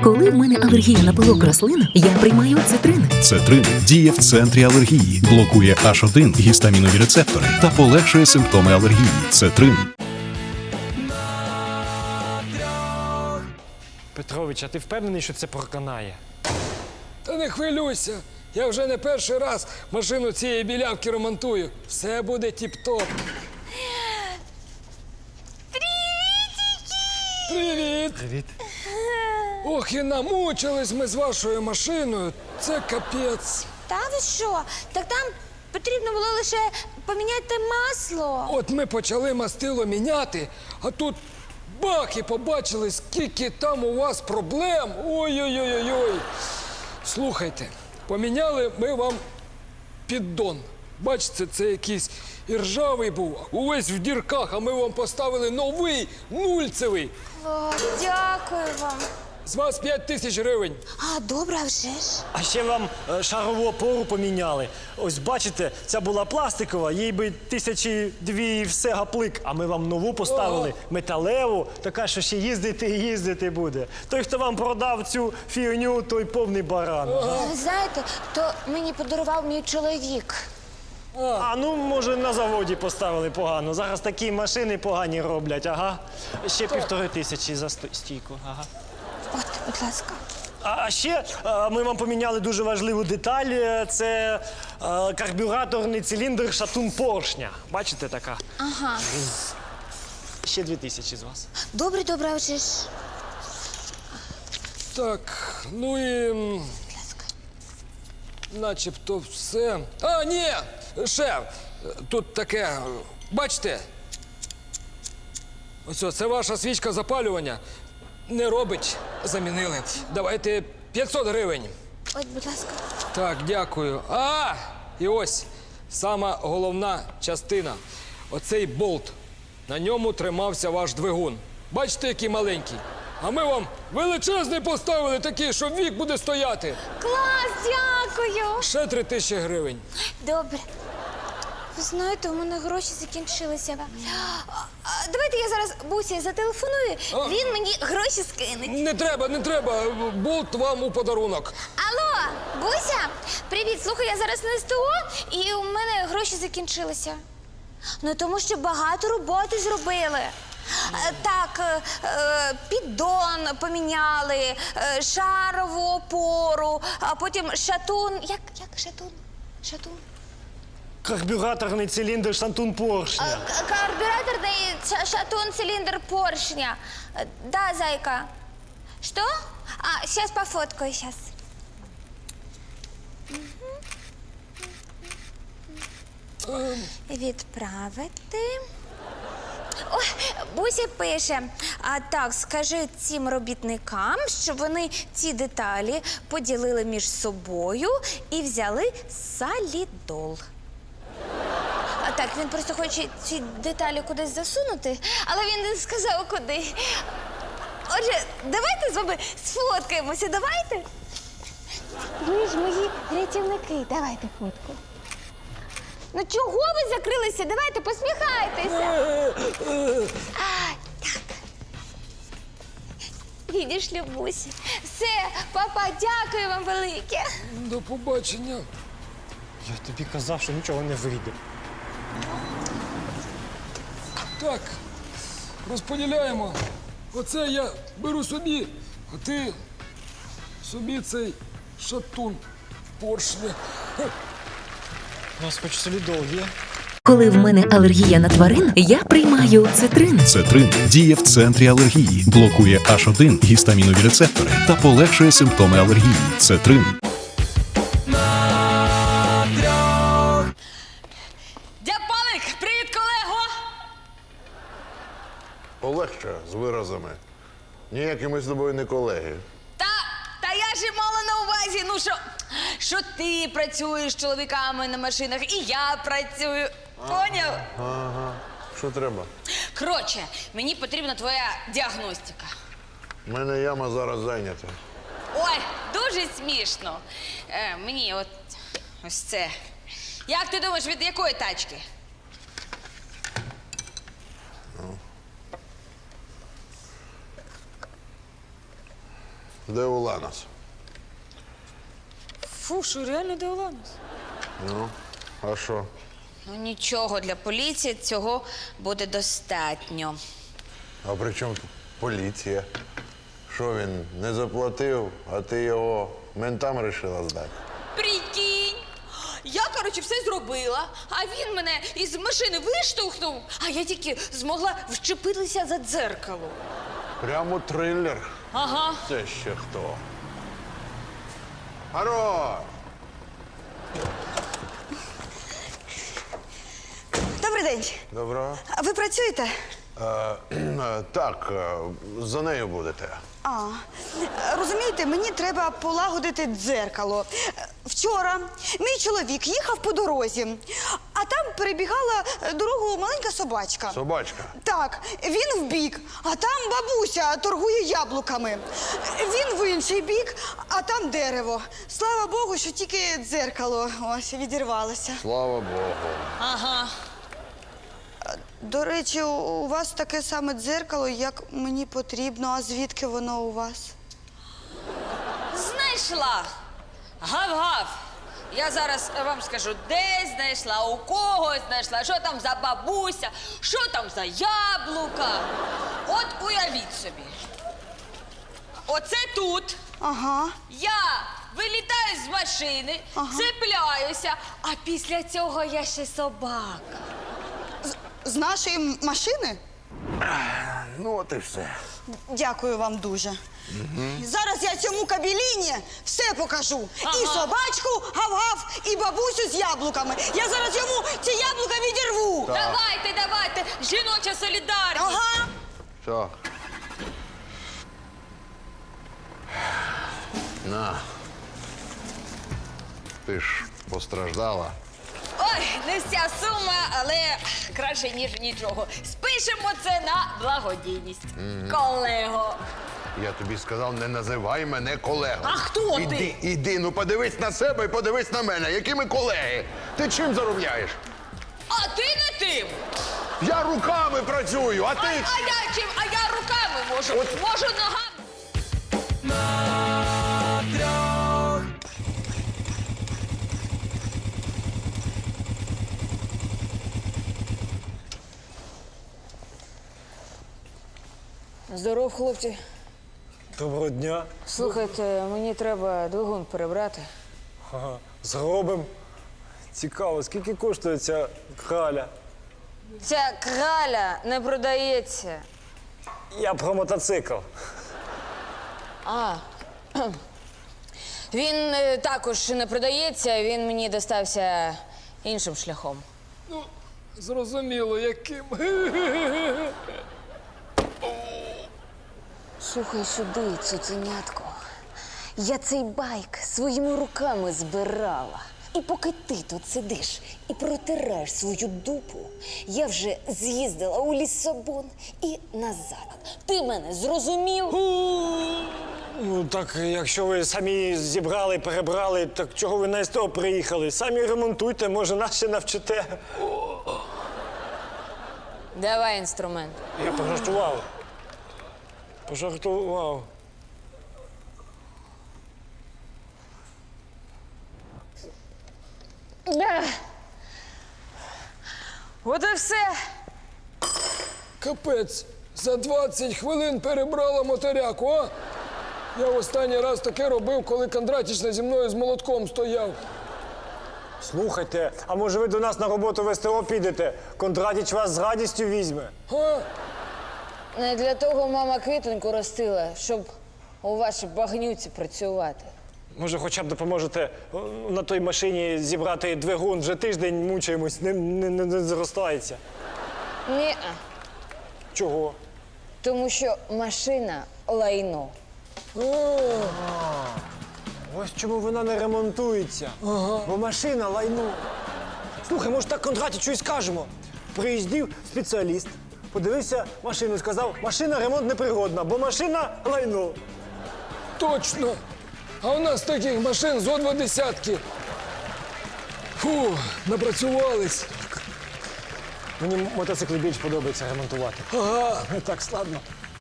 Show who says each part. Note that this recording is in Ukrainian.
Speaker 1: Коли в мене алергія на пилок рослин, я приймаю цитрин.
Speaker 2: Цетрин діє в центрі алергії, блокує H1 гістамінові рецептори та полегшує симптоми алергії. Цетрин.
Speaker 3: Петрович, а ти впевнений, що це проканає?
Speaker 4: Та не хвилюйся. Я вже не перший раз машину цієї білявки ремонтую. Все буде тіп-топ. Привіт!
Speaker 3: Привіт.
Speaker 4: Ох, і намучились ми з вашою машиною. Це капець.
Speaker 5: Та ви що? Так там потрібно було лише поміняти масло.
Speaker 4: От ми почали мастило міняти, а тут бах, і побачили, скільки там у вас проблем. Ой-ой-ой-ой. Слухайте, поміняли ми вам піддон. Бачите, це якийсь іржавий був, увесь в дірках, а ми вам поставили новий, нульцевий.
Speaker 5: О, дякую вам.
Speaker 4: З вас 5000 гривень.
Speaker 5: А, добре, а вже ж.
Speaker 3: А ще вам шарову опору поміняли. Ось бачите, ця була пластикова, їй би 1002 і все гаплик. А ми вам нову поставили, металеву, така, що ще їздити і їздити буде. Той, хто вам продав цю фігню, той повний баран.
Speaker 5: Ви знаєте, то мені подарував мій чоловік.
Speaker 3: А ну, може, на заводі поставили погано. Зараз такі машини погані роблять, ага. Ще 1500 за стійку, ага.
Speaker 5: От, будь ласка.
Speaker 3: А ще ми вам поміняли дуже важливу деталь. Це карбюраторний циліндр шатун поршня. Бачите, така?
Speaker 5: Ага.
Speaker 3: Ще 2000 з вас.
Speaker 5: Добре, добре, а вже ж.
Speaker 4: Так, ну і
Speaker 5: Будь ласка.
Speaker 4: начебто все. А, ні, ще, тут таке, бачите? Ось це ваша свічка запалювання. Не робить, замінили. Давайте 500 гривень.
Speaker 5: От, будь ласка.
Speaker 4: Так, дякую. А, і ось сама головна частина. Оцей болт. На ньому тримався ваш двигун. Бачите, який маленький? А ми вам величезний поставили такий, що вік буде стояти.
Speaker 5: Клас, дякую.
Speaker 4: Ще 3000 гривень.
Speaker 5: Добре. Ви знаєте, у мене гроші закінчилися. Давайте я зараз Бусі зателефоную, він мені гроші скине.
Speaker 4: Не треба, не треба. Болт вам у подарунок.
Speaker 5: Алло, Буся, привіт. Слухай, я зараз на СТО, і у мене гроші закінчилися. Ну, тому що багато роботи зробили. Так, піддон поміняли, шарову опору, а потім шатун. Як шатун? Шатун?
Speaker 3: Карбюраторний циліндр шатун поршня.
Speaker 5: Карбюраторный шатун, цилиндр поршня. Да, зайка. Что? А, сейчас пофоткаю, сейчас. Відправити. Ой, Буся пише, а так, скажи цим робітникам, щоб вони ці деталі поділили між собою і взяли солідол. А так, він просто хоче ці деталі кудись засунути, але він не сказав, куди. Отже, давайте з вами сфоткаємося, давайте. Ви ж мої рятівники, давайте фотку. Ну чого ви закрилися? Давайте, посміхайтеся. Так. Відійшли, Бусі. Все, папа, дякую вам велике.
Speaker 4: До побачення.
Speaker 3: Я тобі казав, що нічого не вийде.
Speaker 4: Так, розподіляємо. Оце я беру собі, а ти собі цей шатун поршня.
Speaker 3: У нас хоч солідол є.
Speaker 1: Коли в мене алергія на тварин, я приймаю цитрин.
Speaker 2: Цетрин діє в центрі алергії, блокує H1 гістамінові рецептори та полегшує симптоми алергії. Цетрин.
Speaker 6: Дяпалик, привіт, колего!
Speaker 7: Полегше з виразами. Ніякі ми з тобою не колеги.
Speaker 6: Та я ж і мала на увазі, ну що ти працюєш з чоловіками на машинах, і я працюю. Поняв?
Speaker 7: Ага. Що треба?
Speaker 6: Коротше, мені потрібна твоя діагностика.
Speaker 7: У мене яма зараз зайнята.
Speaker 6: Ой, дуже смішно. Мені ось це. Як ти думаєш, від якої тачки?
Speaker 7: Де Уланос?
Speaker 6: Фу, що реально де Уланос?
Speaker 7: Ну, а що?
Speaker 6: Ну нічого, для поліції цього буде достатньо.
Speaker 7: А при чому тут поліція? Що він не заплатив, а ти його ментам вирішила здати?
Speaker 6: Прикинь! Я, коротше, все зробила, а він мене із машини виштовхнув, а я тільки змогла вчепитися за дзеркало.
Speaker 7: Прямо трилер.
Speaker 6: Ага.
Speaker 7: Це ще хто? Хорош!
Speaker 8: Добрий день.
Speaker 7: Доброго.
Speaker 8: А ви працюєте?
Speaker 7: Так, за нею будете.
Speaker 8: Розумієте, мені треба полагодити дзеркало. Вчора мій чоловік їхав по дорозі, а там перебігала дорогу маленька собачка.
Speaker 7: Собачка.
Speaker 8: Так, він в бік, а там бабуся торгує яблуками. Він в інший бік, а там дерево. Слава Богу, що тільки дзеркало ось відірвалося.
Speaker 7: Слава Богу.
Speaker 6: Ага.
Speaker 8: До речі, у вас таке саме дзеркало, як мені потрібно. А звідки воно у вас?
Speaker 6: Знайшла. Гав-гав. Я зараз вам скажу, де знайшла, у кого знайшла, що там за бабуся, що там за яблука. От уявіть собі. Оце тут.
Speaker 8: Ага.
Speaker 6: Я вилітаю з машини, цепляюся, а після цього я ще собака.
Speaker 8: З нашої машини?
Speaker 7: Ну, от і все.
Speaker 8: Дякую вам дуже. Зараз я цьому кабеліні все покажу.
Speaker 6: Ага.
Speaker 8: І собачку гав-гав, і бабусю з яблуками. Я зараз йому ці яблука відірву.
Speaker 6: Давайте, жіноча солідарність.
Speaker 8: Ага.
Speaker 7: Так. На. Ти ж постраждала.
Speaker 6: Ой, не вся сума, але краще, ніж нічого. Спишемо це на благодійність. Колего.
Speaker 7: Я тобі сказав, не називай мене колегою.
Speaker 6: А хто ти?
Speaker 7: Іди, ну подивись на себе і подивись на мене. Які ми колеги? Ти чим заробляєш?
Speaker 6: А ти не тим.
Speaker 7: Я руками працюю, а
Speaker 6: А
Speaker 7: ти...
Speaker 6: я чим? А я руками можу. Можу ногами.
Speaker 9: Здоров, хлопці.
Speaker 3: Доброго дня.
Speaker 9: Слухайте, мені треба двигун перебрати.
Speaker 3: Ага, зробимо. Цікаво, скільки коштує ця краля?
Speaker 9: Ця краля не продається.
Speaker 3: Я про мотоцикл.
Speaker 9: Він також не продається, він мені достався іншим шляхом.
Speaker 4: Ну, зрозуміло, яким.
Speaker 1: Слухай сюди, цуценятко. Я цей байк своїми руками збирала. І поки ти тут сидиш і протираєш свою дупу, я вже з'їздила у Лісабон і назад. Ти мене зрозумів?
Speaker 3: Ну так, якщо ви самі зібрали, перебрали, так чого ви на СТО приїхали? Самі ремонтуйте, може нас ще навчите.
Speaker 9: Давай інструмент.
Speaker 3: Я пожартував. Пожартував.
Speaker 9: От і все.
Speaker 4: Капець, за 20 хвилин перебрала моторяку, а? Я останній раз таке робив, коли Кондратіч зі мною з молотком стояв.
Speaker 3: Слухайте, а може ви до нас на роботу в СТО підете? Кондратіч вас з радістю візьме.
Speaker 4: А?
Speaker 9: Не для того мама квітоньку ростила, щоб у вашій багнюці працювати.
Speaker 3: Може, хоча б допоможете на той машині зібрати двигун, вже тиждень мучаємось, не зростається.
Speaker 9: Ні,
Speaker 3: Чого?
Speaker 9: тому що машина лайно.
Speaker 3: Ось чому вона не ремонтується. Бо машина лайно. Слухай, може так Кондратічу і скажемо. Приїздив спеціаліст, подивився машину і сказав, машина ремонт непригодна, бо машина лайно.
Speaker 4: Точно. А у нас таких машин зо 2 десятки. Фу, напрацювались.
Speaker 3: Мені мотоцикли більш подобається ремонтувати.
Speaker 4: Ага.
Speaker 3: Не так складно.